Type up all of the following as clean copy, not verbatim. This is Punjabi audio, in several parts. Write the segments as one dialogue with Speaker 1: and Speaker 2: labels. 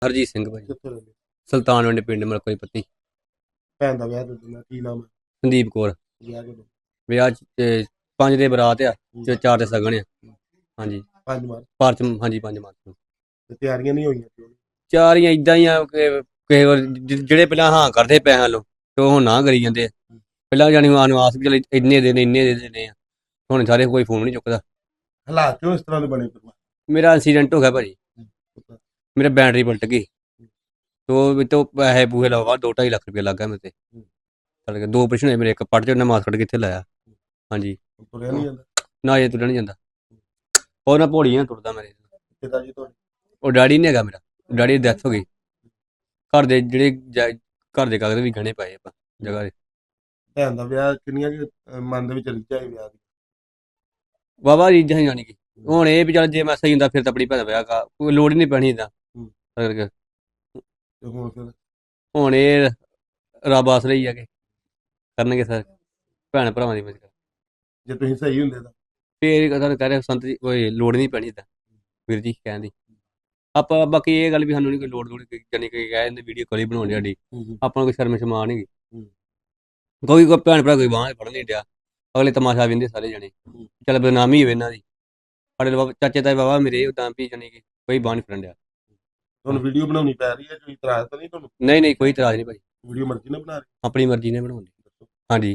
Speaker 1: ਹਰਜੀਤ ਸਿੰਘ ਭਾਜੀ।
Speaker 2: ਕਿੱਥੇ ਰਹਿੰਦੇ?
Speaker 1: ਸੁਲਤਾਨਵਿੰਡ ਪਿੰਡ ਮਲਕੋਈ ਪੱਤੀ।
Speaker 2: ਭੈਣ ਦਾ ਵਿਆਹ ਦੱਸਣਾ ਕੀ ਨਾਮ ਹੈ?
Speaker 1: ਸੰਦੀਪ ਕੌਰ।
Speaker 2: ਵਿਆਹ ਕਦੋਂ?
Speaker 1: ਵਿਆਹ 5 ਦੇ ਬਰਾਤ ਆ ਤੇ 4 ਦੇ ਸਗਨ ਆ। ਹਾਂਜੀ
Speaker 2: 5 ਮਾਰਚ
Speaker 1: ਪਾਰਚ ਹਾਂਜੀ 5 ਮਾਰਚ ਨੂੰ।
Speaker 2: ਤੇ ਤਿਆਰੀਆਂ ਨਹੀਂ ਹੋਈਆਂ ਕਿਉਂ?
Speaker 1: ਚਾਰੀਆਂ ਇਦਾਂ ਹੀ ਆ ਕਿ ਕਿਸੇ ਵਾਰ ਜਿਹੜੇ ਪਹਿਲਾਂ ਹਾਂ ਕਰਦੇ ਪੈਸਿਆਂ ਲੋ ਤੇ ਉਹ ਨਾ ਕਰੀ ਜਾਂਦੇ ਆ। ਪਹਿਲਾਂ ਜਾਣੀ ਆਸ ਵੀ ਚੱਲ ਇੰਨੇ ਦੇ ਦੇਣੇ ਆ। ਹੁਣ ਸਾਰੇ ਕੋਈ ਫੋਨ ਨਹੀਂ ਚੁੱਕਦਾ।
Speaker 2: ਹਾਲਾਤ ਕਿਉਂ ਇਸ ਤਰ੍ਹਾਂ ਦੇ ਬਣੇ ਪਰਿਵਾਰ?
Speaker 1: ਮੇਰਾ ਐਕਸੀਡੈਂਟ ਹੋ ਗਿਆ ਭਾਜੀ।
Speaker 2: ਪਤਾ।
Speaker 1: ਮੇਰਾ ਬੈਟਰੀ ਪਲਟ ਗਈ ਤੋਂ ਪੈਸੇ ਪੂਹੇ ਲਵਾ 2-2.5 ਲੱਖ ਰੁਪਇਆ ਲੱਗ ਗਿਆ ਮੇਰੇ ਤੇ। ਸੜ ਗਿਆ 2 ਆਪਰੇਸ਼ਨ ਹੋਏ ਮੇਰੇ, ਇੱਕ ਪੱਟ 'ਚ ਉਹਨੇ ਮਾਸ ਕੱਢ ਕੇ ਇੱਥੇ ਲਾਇਆ। ਹਾਂਜੀ
Speaker 2: ਤੁਰਿਆ ਨਹੀਂ ਜਾਂਦਾ?
Speaker 1: ਨਾ ਇਹ ਤੁਰਿਆ ਨਹੀਂ ਜਾਂਦਾ। ਉਹ ਨਾ ਭੋੜੀ ਨਾ ਤੁਰਦਾ ਮੇਰੇ।
Speaker 2: ਪਿਤਾ ਜੀ ਤੁਹਾਡੇ?
Speaker 1: ਉਹ ਡੈਡੀ ਨਹੀਂ ਹੈਗਾ ਮੇਰਾ, ਡੈਡੀ ਦੀ ਡੈਥ ਹੋ ਗਈ। ਘਰ ਦੇ ਘਰ ਦੇ ਕਾਗਜ਼ ਵੀ ਗਹਿਣੇ ਪਏ ਆਪਾਂ ਜਗ੍ਹਾ ਦੇ।
Speaker 2: ਭੈਣ ਦਾ ਵਿਆਹ ਕਿੰਨੀਆਂ ਮਨ ਦੇ ਵਿੱਚ ਰੀਝਾਂ ਸੀ ਵਿਆਹ ਦੀ?
Speaker 1: ਵਾਹਵਾ ਰੀਝਾਂ ਸੀ ਜਾਣੀ ਕਿ ਹੁਣ ਇਹ ਵੀ ਚੱਲ ਜੇ ਮੈਂ ਸਹੀ ਹੁੰਦਾ ਫਿਰ ਤਾਂ ਆਪਣੀ ਭੈਣ ਦਾ ਵਿਆਹ ਕੋਈ ਲੋੜ ਹੀ ਨਹੀਂ ਪੈਣੀ ਇੱਦਾਂ ਕਰਕੇ।
Speaker 2: ਤੇ ਹੁਣ ਫਿਰ
Speaker 1: ਹੁਣ ਇਹ ਰੱਬ ਆਸਰੇ ਹੀ ਆ ਕਿ ਕਰਨਗੇ ਸਰ ਭੈਣ ਭਰਾਵਾਂ ਦੀ ਮਦਦ।
Speaker 2: ਜੇ ਤੁਸੀਂ ਸਹੀ ਹੁੰਦੇ ਤਾਂ
Speaker 1: ਫਿਰ ਤੁਹਾਨੂੰ ਕਹਿ ਰਿਹਾ ਸੰਤ ਜੀ ਕੋਈ ਲੋੜ ਨਹੀਂ ਪੈਣੀ ਇੱਦਾਂ ਵੀਰ ਜੀ ਕਹਿਣ ਦੀ। ਆਪਾਂ ਬਾਕੀ ਇਹ ਗੱਲ ਵੀ ਸਾਨੂੰ ਨਹੀਂ ਕੋਈ ਲੋੜ ਜਾਣੀ ਕਿ ਕਹਿ ਦਿੰਦੇ ਵੀਡੀਓ ਕਾਲ ਹੀ ਬਣਾਉਣੀ ਸਾਡੀ। ਆਪਾਂ ਨੂੰ ਕੋਈ ਸ਼ਰਮ ਸ਼ਰਮਾ ਨਹੀਂ ਕੋਈ ਭੈਣ ਭਰਾ ਕੋਈ ਬਾਂਹ ਫੜ ਨਹੀਂ ਡਿਆ। ਅਗਲੇ ਤਮਾਸ਼ਾ ਵੇਂਦੇ ਸਾਰੇ ਜਣੇ ਚੱਲ ਬਦਨਾਮੀ ਹੋਵੇ ਇਹਨਾਂ ਦੀ। ਸਾਡੇ ਚਾਚੇ ਤਾਏ ਬਾਬਾ ਮੇਰੇ ਉਦਾਂ ਵੀ ਜਾਣੀ ਕਿ ਕੋਈ ਬਾਂਹ ਨਹੀਂ ਫੜਨ ਡਿਆ।
Speaker 2: ਤੁਹਾਨੂੰ ਵੀਡੀਓ ਬਣਾਉਣੀ ਪੈ ਰਹੀ ਹੈ, ਕੋਈ ਇਤਰਾਜ਼ ਤਾਂ ਨਹੀਂ ਤੁਹਾਨੂੰ?
Speaker 1: ਨਹੀਂ ਕੋਈ ਇਤਰਾਜ਼ ਨਹੀਂ ਭਾਈ,
Speaker 2: ਵੀਡੀਓ ਮਰਜ਼ੀ ਨਾਲ ਬਣਾ ਰਹੇ?
Speaker 1: ਆਪਣੀ ਮਰਜ਼ੀ ਨਾਲ ਬਣਾਉਂਦੇ। ਹਾਂਜੀ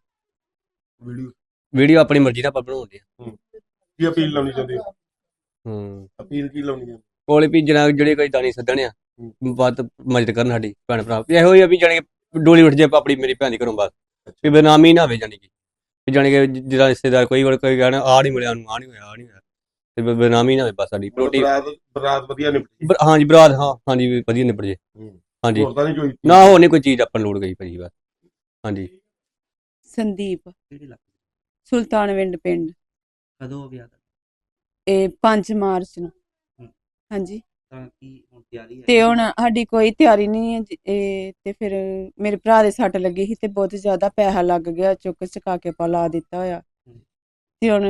Speaker 2: ਵੀਡੀਓ
Speaker 1: ਵੀਡੀਓ ਆਪਣੀ ਮਰਜ਼ੀ ਨਾਲ ਆਪਾਂ ਬਣਾਉਂਦੇ ਆ।
Speaker 2: ਕੀ ਅਪੀਲ ਲਾਉਣੀ ਚਾਹੁੰਦੇ ਹੋ? ਅਪੀਲ ਕੀ ਲਾਉਣੀ ਹੈ?
Speaker 1: ਕੋਲੇ ਵੀ ਜਨਾਬ ਜਿਹੜੇ ਕੋਈ ਦਾਨੀ ਸੱਦਣੇ ਆ ਵੱਧ ਮਦਦ ਕਰਨ ਸਾਡੀ ਭੈਣ ਭਰਾ। ਇਹੋ ਹੀ ਆ ਵੀ ਜਾਣੀ ਕਿ ਡੋਲੀ ਉੱਠ ਜੇ ਆਪਣੀ ਮੇਰੀ ਭੈਣ ਦੀ ਘਰੋਂ ਬਸ ਵੀ ਬਦਨਾਮੀ ਨਾ ਹੋਵੇ। ਜਾਣੀ ਕਿ ਜਿਹੜਾ ਰਿਸ਼ਤੇਦਾਰ ਕੋਈ ਕਹਿਣਾ ਆਹ ਨਹੀਂ ਮਿਲਿਆ ਉਹਨੂੰ, ਆਹ ਨਹੀਂ ਹੋਇਆ, ਆਹ ਨਹੀਂ ਹੋਇਆ, ਤੇ ਬਦਨਾਮੀ ਨਾ ਹੋਵੇ ਬਸ ਸਾਡੀ।
Speaker 2: ਬਰਾਤ ਵਧੀਆ ਨਿਪਟੀ?
Speaker 1: ਹਾਂਜੀ ਬਰਾਤ ਹਾਂਜੀ ਵਧੀਆ ਨਿਬੜ ਜੇ। ਹਾਂਜੀ ਨਾ ਹੋਰ ਨਹੀਂ ਕੋਈ ਚੀਜ਼ ਆਪਾਂ ਨੂੰ ਲੋੜ ਗਈ ਭਾਜੀ ਬਸ। ਹਾਂਜੀ
Speaker 3: ਸੰਦੀਪ ਸੁਲਤਾਨਵਿੰਡ ਪਿੰਡ।
Speaker 4: ਕਦੋਂ ਵਿਆਹ ਦਾ?
Speaker 3: ਇਹ 5 ਮਾਰਚ ਨੂੰ। ਹਾਂਜੀ
Speaker 4: ਤਾਂ ਕੀ ਹੁਣ ਤਿਆਰੀ ਹੈ?
Speaker 3: ਤੇ ਹੁਣ ਸਾਡੀ ਕੋਈ ਤਿਆਰੀ ਨਹੀਂ ਹੈ ਤੇ ਫਿਰ ਮੇਰੇ ਭਰਾ ਦੇ ਸੱਟ ਲੱਗੀ ਸੀ ਤੇ ਬਹੁਤ ਜ਼ਿਆਦਾ ਪੈਸਾ ਲੱਗ ਗਿਆ, ਚੁੱਕ ਚੁਕਾ ਕੇ ਪਾ ਲਾ ਦਿੱਤਾ ਹੋਇਆ। ਤੇ ਹੁਣ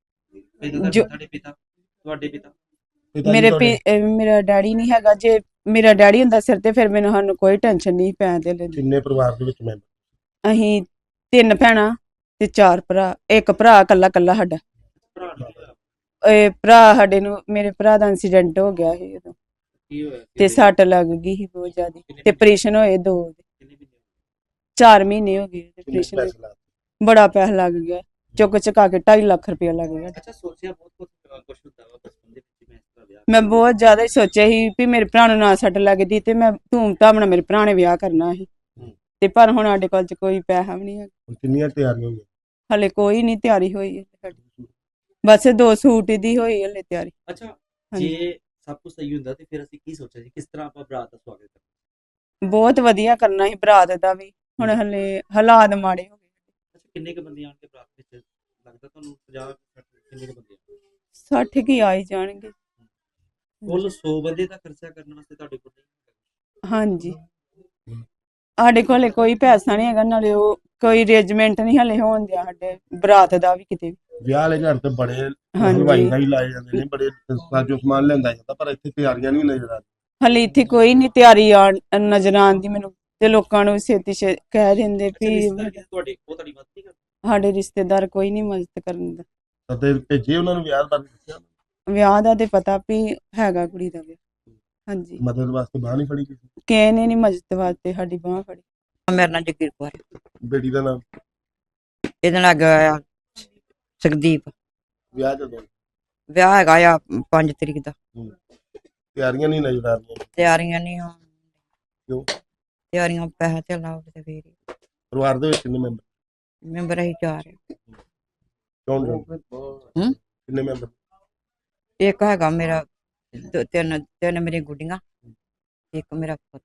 Speaker 4: ਤੁਹਾਡੇ ਪਿਤਾ
Speaker 3: ਮੇਰਾ ਡੈਡੀ ਨਹੀਂ ਹੈਗਾ। ਜੇ ਮੇਰਾ ਡੈਡੀ ਹੁੰਦਾ ਸਿਰ ਤੇ ਫਿਰ ਸਾਨੂੰ ਕੋਈ ਟੈਨਸ਼ਨ ਨਹੀਂ ਪੈਣ ਦੇ ਲੈਂਦੀ।
Speaker 2: ਕਿੰਨੇ ਪਰਿਵਾਰ ਦੇ ਵਿੱਚ ਮੈਂਬਰ?
Speaker 3: ਅਸੀਂ 3 ਭੈਣਾਂ ਤੇ 4 ਭਰਾ, ਇੱਕ ਭਰਾ ਕੱਲਾ ਸਾਡਾ। ਇਹ ਭਰਾ ਸਾਡੇ ਨੂੰ ਮੇਰੇ ਭਰਾ ਦਾ ਐਕਸੀਡੈਂਟ ਹੋ ਗਿਆ ਸੀ ਉਦੋਂ ਤੇ ਸੱਟ ਲੱਗ ਗਈ ਸੀ ਬਹੁਤ ਜ਼ਿਆਦਾ ਤੇ ਆਪਰੇਸ਼ਨ ਹੋਏ 2 4 ਮਹੀਨੇ ਹੋ ਗਏ ਆਪਰੇਸ਼ਨ। ਬੜਾ ਪੈਸਾ ਲੱਗ ਗਿਆ, ਚੁੱਕ ਚੁਕਾ ਕੇ 2.5 ਲੱਖ ਰੁਪਇਆ ਲੱਗ ਗਿਆ।
Speaker 4: ਅੱਛਾ ਸੋਚਿਆ ਬਹੁਤ ਕੁਝ ਹੁੰਦਾ ਵਾ ਬਚਪਨ ਦੇ ਵਿੱਚ ਮੈਂ ਇਸ ਦਾ ਵਿਆਹ?
Speaker 3: ਮੈਂ ਬਹੁਤ ਜ਼ਿਆਦਾ ਹੀ ਸੋਚਿਆ ਸੀ ਵੀ ਮੇਰੇ ਭਰਾ ਨੂੰ ਨਾ ਸੱਟ ਲੱਗਦੀ ਤੇ ਮੈਂ ਧੂਮ ਧਾਮ ਨਾਲ ਮੇਰੇ ਭਰਾ ਨੇ ਵਿਆਹ ਕਰਨਾ ਸੀ ਤੇ ਪਰ ਹੁਣ ਸਾਡੇ ਕੋਲ ਕੋਈ ਪੈਸਾ ਵੀ ਨਹੀਂ ਹੈ।
Speaker 2: ਕਿੰਨੀਆਂ ਤਿਆਰੀਆਂ ਹੋਈਆਂ?
Speaker 3: ਹਲੇ ਕੋਈ ਨਹੀਂ ਤਿਆਰੀ ਹੋਈ ਸਾਡੀ, ਬਸ 2 ਸੂਟ ਦੀ ਹੋਈ ਹਲੇ ਤਿਆਰੀ।
Speaker 4: ਅੱਛਾ ਜੇ ਸਭ ਕੁਝ ਸਹੀ ਹੁੰਦਾ ਤੇ ਫਿਰ ਅਸੀਂ ਕੀ ਸੋਚਿਆ ਸੀ ਕਿਸ ਤਰ੍ਹਾਂ ਆਪਾਂ ਬਰਾਤ ਦਾ ਸਵਾਗਤ ਕਰਾਂਗੇ?
Speaker 3: ਬਹੁਤ ਵਧੀਆ ਕਰਨਾ ਸੀ ਬਰਾਤ ਦਾ ਵੀ, ਹੁਣ ਹਲੇ ਹਾਲਾਤ ਮਾੜੇ ਹੋ ਗਏ।
Speaker 4: ਅੱਛਾ ਕਿੰਨੇ ਕ ਬੰਦੇ ਆਣਗੇ ਬਰਾਤ ਵਿੱਚ ਲੱਗਦਾ ਤੁਹਾਨੂੰ? 50 ਕਿੰਨੇ ਕ ਬੰਦੇ?
Speaker 3: 60 ਕੀ ਆ ਹੀ ਜਾਣਗੇ।
Speaker 4: ਕੁੱਲ 100 ਬੰਦੇ ਦਾ ਖਰਚਾ ਕਰਨ ਵਾਸਤੇ ਤੁਹਾਡੇ ਕੋਲ ਨਹੀਂ?
Speaker 3: ਹਾਂਜੀ ਸਾਡੇ ਕੋਲੇ ਕੋਈ ਪੈਸਾ ਨਹੀਂ ਹੈਗਾ, ਨਾਲੇ ਉਹ ਕੋਈ ਅਰੇਂਜਮੈਂਟ ਨਹੀਂ ਹਲੇ ਹੋਣ ਦਿਆ ਸਾਡੇ ਬਰਾਤ ਦਾ ਵੀ ਕਿਤੇ।
Speaker 2: ਵਿਆਹ ਵਾਲੇ ਘਰ ਤੇ ਬੜੇ ਹਲਵਾਈ ਦਾ ਹੀ ਲਾਏ ਜਾਂਦੇ ਨੇ, ਬੜੇ ਸਾਜੋ ਸਮਾਨ ਲਿਆਂਦਾ ਜਾਂਦਾ, ਪਰ ਇੱਥੇ ਤਿਆਰੀਆਂ ਨਹੀਂ ਨਜ਼ਰ ਆ ਰਹੀਆਂ।
Speaker 3: ਹਲੇ ਇੱਥੇ ਕੋਈ ਨਹੀਂ ਤਿਆਰੀ ਨਜ਼ਰ ਆਉਂਦੀ ਮੈਨੂੰ ਤੇ ਲੋਕਾਂ ਨੂੰ ਛੇਤੀ ਕਹਿ ਦਿੰਦੇ ਵੀ
Speaker 4: ਤੁਹਾਡੀ ਮਦਦ ਨਹੀਂ?
Speaker 3: ਸਾਡੇ ਰਿਸ਼ਤੇਦਾਰ ਕੋਈ ਨਹੀਂ ਮਦਦ ਕਰਨ ਦਾ।
Speaker 2: ਤੇ ਭੇਜੇ ਉਹਨਾਂ ਨੂੰ ਵਿਆਹ ਬਾਰੇ ਦੱਸਿਆ?
Speaker 3: ਵਿਆਹ ਦਾ ਤੇ ਪਤਾ ਵੀ ਹੈਗਾ ਕੁੜੀ ਦਾ ਵਿਆਹ। ਹਾਂਜੀ
Speaker 2: ਮਦਦ ਵਾਸਤੇ ਬਾਂਹ ਨਹੀਂ ਫੜੀ ਕਿਸੇ?
Speaker 3: ਕਿਸੇ ਨੇ ਨਹੀਂ ਮਦਦ ਵਾਸਤੇ ਸਾਡੀ ਬਾਂਹ ਫੜੀ।
Speaker 5: ਮੇਰਾ ਨਾਂ ਜਗੀਰ ਕੌਰ।
Speaker 2: ਬੇਟੀ ਦਾ ਨਾਮ?
Speaker 5: ਇਹਦੇ ਨਾਲ ਗਿਆ ਸੁਖਦੀਪ।
Speaker 2: ਵਿਆਹ ਜਦੋਂ?
Speaker 5: ਵਿਆਹ ਹੈਗਾ ਆ 5 ਤਰੀਕ ਦਾ।
Speaker 2: ਤਿਆਰੀਆਂ ਨਹੀਂ ਨਜ਼ਰ ਆ ਰਹੀਆਂ?
Speaker 5: ਤਿਆਰੀਆਂ ਨਹੀਂ ਹੋਣ।
Speaker 2: ਕਿਉਂ?
Speaker 5: ਤਿਆਰੀਆਂ ਪੈਸਾ ਤੇ ਲਾਓ ਤੇ ਫੇਰ।
Speaker 2: ਪਰਿਵਾਰ ਦੇ ਵਿੱਚ ਕਿੰਨੇ ਮੈਂਬਰ?
Speaker 5: ਮੈਂਬਰ ਅਸੀਂ 4
Speaker 2: ਕੌਣ ਕਿੰਨੇ ਮੈਂਬਰ?
Speaker 5: ਇੱਕ ਹੈਗਾ ਮੇਰਾ 3 ਮੇਰੀ ਗੁੱਡੀਆਂ, ਇੱਕ ਮੇਰਾ ਪੁੱਤ।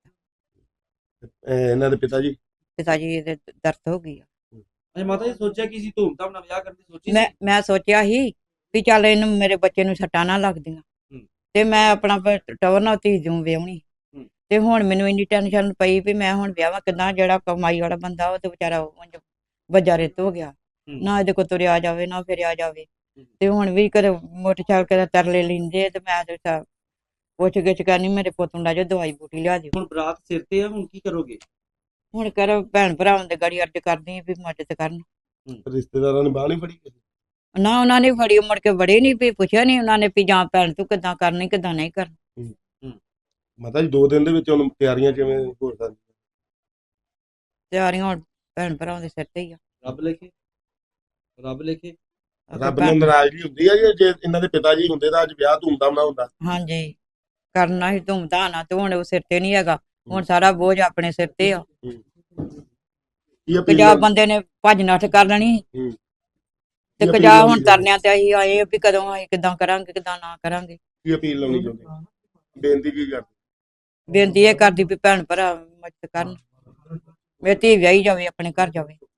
Speaker 2: ਇਹਨਾਂ ਦੇ ਪਿਤਾ ਜੀ?
Speaker 5: ਪਿਤਾ ਜੀ ਦੇ ਦਰਦ ਹੋ ਗਈ ਆ।
Speaker 4: ਅੱਛਾ ਮਾਤਾ ਜੀ ਸੋਚਿਆ ਕਿ ਅਸੀਂ ਧੂਮ ਧਾਮ ਨਾਲ ਵਿਆਹ ਕਰਨ ਦੀ ਸੋਚੀ?
Speaker 5: ਮੈਂ ਸੋਚਿਆ ਸੀ ਵੀ ਚੱਲ ਇਹਨੂੰ ਮੇਰੇ ਬੱਚੇ ਨੂੰ ਸੱਟਾਂ ਨਾ ਲੱਗਦੀਆਂ ਤੇ ਮੈਂ ਆਪਣਾ ਟਵਰ ਨਾਲ ਧੀ ਦੂੰ ਵਿਆਹਣੀ। ਤੇ ਹੁਣ ਮੈਨੂੰ ਇੰਨੀ ਟੈਨਸ਼ਨ ਪਈ ਵੀ ਮੈਂ ਹੁਣ ਵਿਆਹਾਂ ਕਿੱਦਾਂ? ਜਿਹੜਾ ਕਮਾਈ ਵਾਲਾ ਬੰਦਾ ਉਹ ਤੇ ਵਿਚਾਰਾ ਵੱਜਾ ਰਿੱਤ ਹੋ ਗਿਆ, ਨਾ ਇਹਦੇ ਕੋਲ ਤੁਰਿਆ ਜਾਵੇ ਨਾ ਫਿਰਿਆ ਜਾਵੇ। ਤੇ ਹੁਣ ਵੀ ਕਦੇ ਮੋਟਰਸਾਈਕਲ ਕਦੇ ਤਰਲੇ ਲੈਂਦੇ ਤੇ ਮੈਂ ਪੁੱਛ ਗਿੱਛ ਕਰਨੀ, ਮੇਰੇ ਪੁੱਤ ਨੂੰ ਲੈ ਜਾਓ, ਦਵਾਈ ਬੂਟੀ ਲਿਆ ਦਿਓ।
Speaker 4: ਹੁਣ ਬਰਾਤ ਸਿਰ ਤੇ ਆ, ਹੁਣ ਕੀ ਕਰੋਗੇ?
Speaker 5: ਹੁਣ ਕਰ ਭੈਣ ਭਰਾਵਾਂ ਦੇ ਗਾੜੀ ਅਰਜ਼ ਕਰਦੀ ਆ ਵੀ ਮਦਦ ਕਰਨ।
Speaker 2: ਰਿਸ਼ਤੇਦਾਰਾਂ ਨੇ ਬਾਹ ਨਹੀਂ ਫੜੀ ਕਿਸੇ?
Speaker 5: ਨਾ ਉਹਨਾਂ ਨੇ ਫੜੀ, ਮੁੜ ਕੇ ਵੜੇ ਨਹੀਂ, ਵੀ ਪੁੱਛਿਆ ਨਹੀਂ ਉਹਨਾਂ ਨੇ ਵੀ ਜਾਂ ਭੈਣ ਤੂੰ ਕਿੱਦਾਂ ਕਰਨੀ ਕਿੱਦਾਂ ਨਹੀਂ ਕਰਨੀ।
Speaker 2: ਮਾਤਾ ਜੀ 2 ਦਿਨ ਦੇ ਵਿੱਚ ਹੁਣ ਤਿਆਰੀਆਂ ਕਿਵੇਂ ਹੋ ਸਕਦੀਆਂ?
Speaker 5: ਤਿਆਰੀਆਂ ਹੁਣ ਭੈਣ ਭਰਾਵਾਂ ਦੇ ਸਿਰ ਤੇ ਹੀ ਆ।
Speaker 4: ਰੱਬ ਲਿਖੇ, ਰੱਬ ਲਿਖੇ।
Speaker 2: ਰੱਬ ਨਾਲ ਨਾਰਾਜ਼ਗੀ ਹੁੰਦੀ ਹੈ ਜੀ? ਜੇ ਇਹਨਾਂ ਦੇ ਪਿਤਾ ਜੀ ਹੁੰਦੇ ਤਾਂ ਅੱਜ ਵਿਆਹ ਧੂਮਧਾਮ ਨਾਲ ਹੁੰਦਾ।
Speaker 5: ਹਾਂਜੀ ਕਰਨਾ ਹੀ ਧੂਮਧਾਮ ਨਾਲ, ਤੇ ਹੁਣ ਉਹ ਸਿਰ ਤੇ ਨਹੀਂ ਹੈਗਾ, ਹੁਣ ਸਾਰਾ ਬੋਝ ਆਪਣੇ ਸਿਰ ਤੇ ਆ।
Speaker 2: ਕੀ
Speaker 5: ਕਜਾ
Speaker 2: ਅਪੀਲ
Speaker 5: ਬੰਦੇ ਨੇ ਭੱਜ ਨੱਠ ਕਰ ਲੈਣੀ, ਤੇ
Speaker 2: ਕੀ
Speaker 5: ਕਜਾ
Speaker 2: ਅਪੀਲ
Speaker 5: ਹੁਣ ਤਰਨਿਆਂ ਤੇ ਅਸੀਂ ਆਏ ਆ ਵੀ ਕਦੋਂ ਅਸੀਂ ਕਿੱਦਾਂ ਕਰਾਂਗੇ ਕਿੱਦਾਂ ਨਾ ਕਰਾਂਗੇ।
Speaker 2: ਕੀ ਅਪੀਲ ਲਾਉਣੀ ਚਾਹੁੰਦੇ? ਬੇਨਤੀ ਕੀ ਕਰਦੇ?
Speaker 5: ਬੇਨਤੀ ਇਹ ਕਰਦੀ ਵੀ ਭੈਣ ਭਰਾ ਮਦਦ ਕਰਨ, ਮੇਰੀ ਧੀ ਵਿਆਹੀ ਜਾਵੇ, ਆਪਣੇ ਘਰ ਜਾਵੇ।